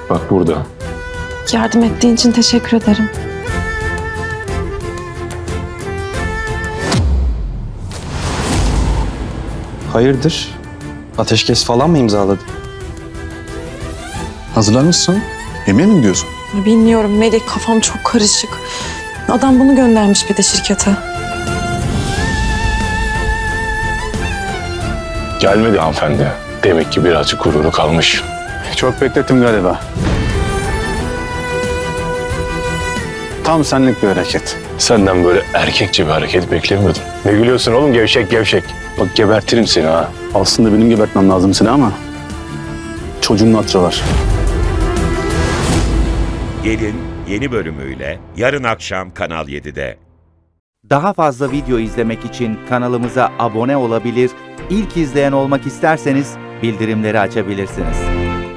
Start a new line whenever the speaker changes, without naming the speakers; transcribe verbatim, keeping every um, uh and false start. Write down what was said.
Bak burada.
Yardım ettiğin için teşekkür ederim.
Hayırdır? Ateşkes falan mı imzaladın?
Hazırlanmışsın. Yemeğe mi gidiyorsun?
Bilmiyorum Melih, kafam çok karışık. Adam bunu göndermiş bir de şirkete.
Gelmedi hanımefendi. Demek ki birazcık gururu kalmış.
Çok beklettim galiba. Tam senlik bir hareket.
Senden böyle erkekçe bir hareket beklemiyordum. Ne gülüyorsun oğlum, gevşek gevşek. Bak gebertirim seni ha.
Aslında benim gebertmem lazım seni ama çocuğun hatırı var.
Gelin yeni bölümüyle yarın akşam Kanal yedide.
Daha fazla video izlemek için kanalımıza abone olabilir, ilk izleyen olmak isterseniz bildirimleri açabilirsiniz.